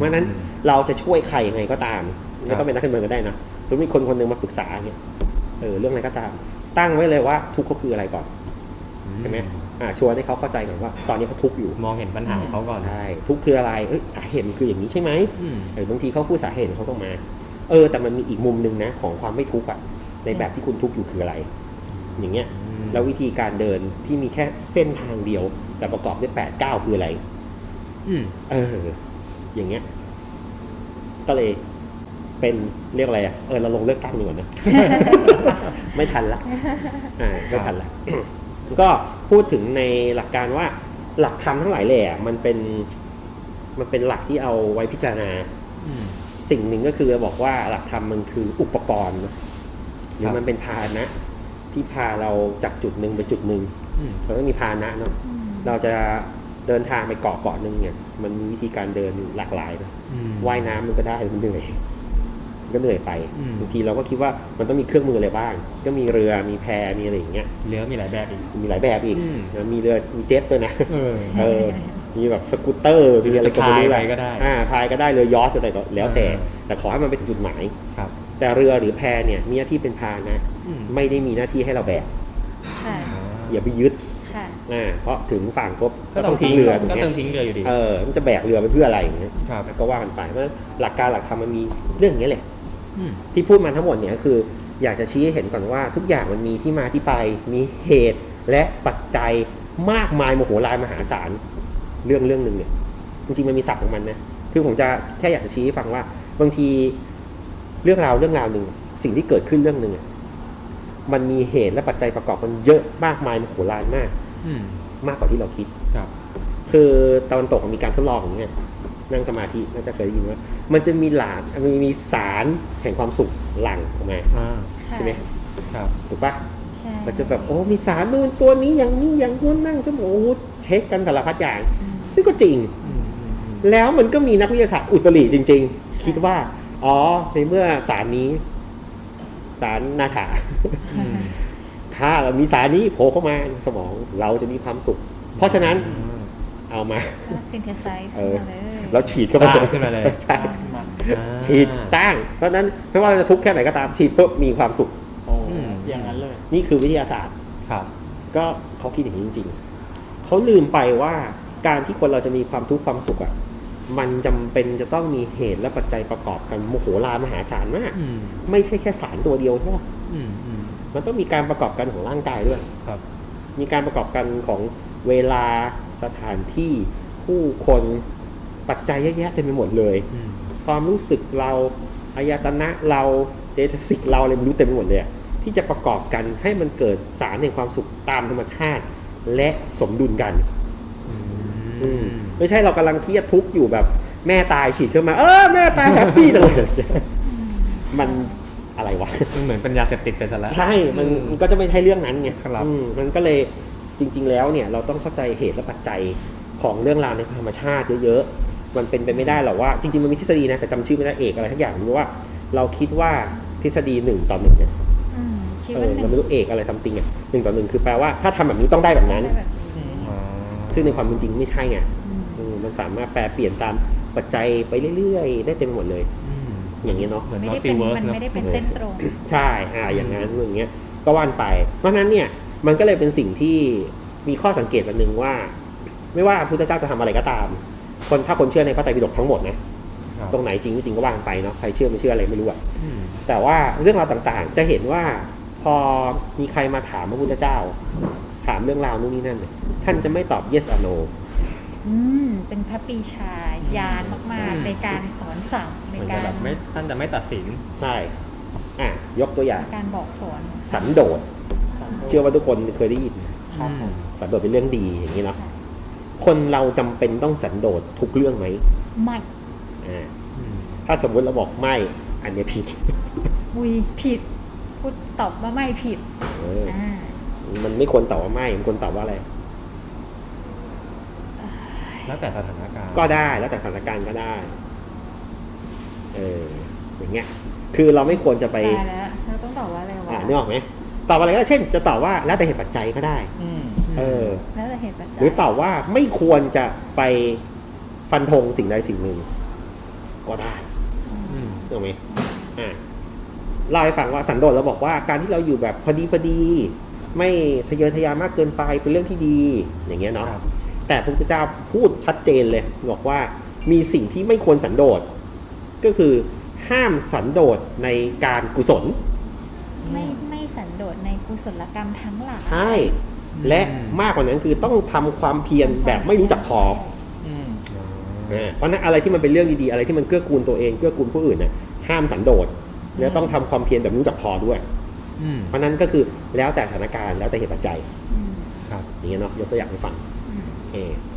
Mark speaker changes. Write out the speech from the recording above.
Speaker 1: ราะฉะนั้นเราจะช่วยใครยังไงก็ตามไม่ต้องเป็นนักการเมืองก็ได้นะสมมติมีคนคนหนึ่งมาปรึกษาเนี่ยเรื่องอะไรก็ตามตั้งไว้เลยว่าทุกข์เขาคืออะไรก่อนใช่ไหมชวนให้เขาเข้าใจก่อนว่าตอนนี้เขาทุกข์อยู่
Speaker 2: มองเห็นปัญหาของเขาก่อน
Speaker 1: ใช่ทุกข์คืออะไรสาเหตุมันคืออย่างนี้ใช่ไหมบางทีเขาพูดสาเหตุเขาก็มาแต่มันมีอีกมุมนึงนะของความไม่ทุกข์ในแบบที่คุณทุกข์อยู่คืออะไรอย่างเงี้ยแล้ววิธีการเดินที่มีแค่เส้นทางเดียวแต่ประกอบด้วย8-9คืออะไรอย่างเงี้ยก็เลยเป็นเรียกอะไรเราลงเลือกตั้งดีกว่านะ ไม่ทันละไม่ทันละ ก็พูดถึงในหลักการว่าหลักธรรมทั้งหลายเลยมันเป็นหลักที่เอาไว้พิจารณาสิ่งหนึ่งก็คือบอกว่าหลักธรรมมันคืออุปกรณ์หรือมันเป็นพาหนะที่พาเราจากจุดหนึ่งไปจุดหนึ่งเราต้องมีพาหนะเนาะเราจะเดินทางไปเกาะนึงเนี่ยมันมีวิธีการเดินหลากหลายนะว่ายน้ำมันก็ได้มันเหนื่อยก็เหนื่อยไปบางทีเราก็คิดว่ามันต้องมีเครื่องมืออะไรบ้างก็มีเรือมีแพมีอะไรอย่างเงี้ย
Speaker 2: เรือมีหลายแบบอีก
Speaker 1: มีเรือมีเจ็ตด้วยนะมีแบบสกูตเตอร์มีอะไรก็
Speaker 2: ได้
Speaker 1: พายก็ได้เรือยอชต์อะไรก็แล้วแต่ขอให้มันไปถึงจุดหมายแต่เรือหรือแพเนี่ยมีหน้าที่เป็นพานะไม่ได้มีหน้าที่ให้เราแบกอย่าไปยึดเพราะถึงฝั่งปุ๊บ
Speaker 2: ก็ต้องทิ้งเรือก็ต้องทิ้งเรืออยู่ดี
Speaker 1: มันจะแบกเรือไปเพื่ออะไรอย่างเงี้ยก็ว่ากันไปเพราะหลักการหลักธรรมมันมีเรื่องนี้แหละที่พูดมาทั้งหมดเนี่ยคืออยากจะชี้ให้เห็นก่อนว่าทุกอย่างมันมีที่มาที่ไปมีเหตุและปัจจัยมากมายมโหฬารมหาศาลเรื่องนึงเนี่ยจริงๆมันมีศัพท์ของมันนะคือผมจะแค่อยากจะชี้ให้ฟังว่าบางทีเรื่องราวนึงสิ่งที่เกิดขึ้นเรื่องนึงมันมีเหตุและปัจจัยประกอบมันเยอะมากมายมโหฬารมากกว่าที่เราคิดคือตะวันตกมีการทดลองอย่างเงี้ยนั่งสมาธิน่าจะเคยได้ยินว่ามันจะมีสารแห่งความสุขหลั่งออกมาใช่ไหมถูกปะมันจะแบบมีสารนู่นตัวนี้อย่างนี้อย่างนู้นนั่งชั่วโมงเช็คกันสารพัดอย่างซึ่งก็จริงแล้วมันก็มีนักวิทยาศาสตร์อุตริจริงๆคิดว่าในเมื่อสารนี้สารนาถาถ้าเรามีสารนี้โผล่เข้ามาสมองเราจะมีความสุขเพราะฉะนั้นเอามา
Speaker 3: ซินเทไซส์
Speaker 1: แล้วฉีดเข้ามา
Speaker 2: ขึ้นมาเลย
Speaker 1: ใช่ฉีดสร้างเพราะนั้นไม่ว่าจะทุกข์แค่ไหนก็ตามฉีดเพื่อมีความสุข
Speaker 4: อย่างนั้นเลย
Speaker 1: นี่คือวิทยาศาสตร์ก็เขาคิดอย่างนี้จริงๆเขาลืมไปว่าการที่คนเราจะมีความทุกข์ความสุขมันจำเป็นจะต้องมีเหตุและปัจจัยประกอบกันมโหฬารมหาศาลมากไม่ใช่แค่สารตัวเดียวใช่ไหมมันต้องมีการประกอบกันของร่างกายด้วยมีการประกอบกันของเวลาสถานที่ผู้คนปัจจัยเยอะแยะเต็มไปหมดเลยความรู้สึกเราอายตนะเราเจตสิกเราอะไรไม่รู้เต็มไปหมดเลยที่จะประกอบกันให้มันเกิดสารแห่งความสุขตามธรรมชาติและสมดุลกันไม่ใช่เรากำลังเครียดทุกข์อยู่แบบแม่ตายฉีดขึ้นมาแม่ตายแฮปปี้เลยมันอะไรวะ
Speaker 2: มันเหมือนปัญญาเสพติดไปซะแล้ว
Speaker 1: ใช่มันก็จะไม่ใช่เรื่องนั้นไงมันก็เลยจริงๆแล้วเนี่ยเราต้องเข้าใจเหตุและปัจจัยของเรื่องราวในธรรมชาติเยอะๆมันเป็นไปไม่ได้หรอกว่าจริงๆมันมีทฤษฎีนะแต่จำชื่อไม่ได้เอกอะไรทั้งอย่างรู้ว่าเราคิดว่าทฤษฎี1:1เนี่ยเราไม่รู้เอกอะไรซัมติง1:1คือแปลว่าถ้าทำแบบนี้ต้องได้แบบนั้นซึ่งในความเป็นจริงไม่ใช่ไงมันสามารถแปลเปลี่ยนตามปัจจัยไปเรื่อยๆได้เต็มหมดเลยอย่างนี้เนาะ
Speaker 3: มันไม่ได้เป็นเส้นตรง
Speaker 1: ใช่อย่างนั้นอย่างเงี้ยก็ว่านไปเพราะนั้นเนี่ยมันก็เลยเป็นสิ่งที่มีข้อสังเกตอันนึงว่าไม่ว่าพระพุทธเจ้าจะทำอะไรก็ตามถ้าคนเชื่อในพระไตรปิฎกทั้งหมดนะตรงไหนจริงไม่จริงก็ว่างไปเนาะใครเชื่อไม่เชื่ออะไรไม่รู้แต่ว่าเรื่องราวต่างๆจะเห็นว่าพอมีใครมาถามพระพุทธเจ้าถามเรื่องราวนู่นนี่นั่นท่านจะไม่ตอบ yes or no
Speaker 3: เป็นพระปรีชาญาณมากๆในการสอนสั่งในการ
Speaker 2: ท่านจะไม่ตัดสิน
Speaker 1: ใช่ยกตัวอย่าง
Speaker 3: การบอกสอน
Speaker 1: สันโดษเชื่อว่าทุกคนเคยได้ยินสันโดษเป็นเรื่องดีอย่างนี้เนาะคนเราจำเป็นต้องสันโดษทุกเรื่องไหม
Speaker 3: ไม่
Speaker 1: ถ้าสมมติเราบอกไม่อันนี้ผิด
Speaker 3: ผิดพูดตอบว่าไม่ผิด
Speaker 1: มันไม่ควรตอบว่าไม่มันควรตอบว่าอะไร
Speaker 2: แล้วแต่สถานการณ์
Speaker 1: ก็ได้แล้วแต่สถานการณ์ก็ได้อย่างเงี้ยคือเราไม่ควรจะไป
Speaker 3: แล้วเราต้องตอบว่าอะไรวะ
Speaker 1: นึกออกไหมตอบอะไรก็เช่นจะตอบว่าแล้วแต่เหตุปัจจัยก็ได้
Speaker 3: แล้วแต่เหตุปัจจัย
Speaker 1: หรือตอบว่าไม่ควรจะไปฟันธงสิ่งใดสิ่งหนึ่งก็ได้
Speaker 2: อืม
Speaker 1: ถูกไหมเล่าให้ฟังว่าสันโดษเราบอกว่าการที่เราอยู่แบบพอดีไม่ทะเยอทะยานมากเกินไปเป็นเรื่องที่ดีอย่างเงี้ยเนาะ
Speaker 2: ครับ
Speaker 1: แต่พระพุทธเจ้าพูดชัดเจนเลยบอกว่ามีสิ่งที่ไม่ควรสันโดษก็คือห้ามสันโดษในการกุศล
Speaker 3: ไม่สันโดษในกุศลกรรมทั้งหลาย
Speaker 1: ใช่และมากกว่านั้นคือต้องทำความเพียรแบบไม่รู้จักพอ
Speaker 4: อืม
Speaker 1: เพราะนั้นอะไรที่มันเป็นเรื่องดีๆอะไรที่มันเกื้อกูลตัวเองเกื้อกูลผู้อื่นน่ะห้ามสันโดษแล้วต้องทำความเพียรแบบรู้จักพอด้วย
Speaker 2: อืม
Speaker 1: เพราะนั้นก็คือแล้วแต่สถานการณ์แล้วแต่เหตุปัจจัย
Speaker 3: อืม
Speaker 2: ครับ
Speaker 1: อย่างเงี้ยเนาะยกตัวอย่างให้ฟัง
Speaker 3: อืม
Speaker 1: เออ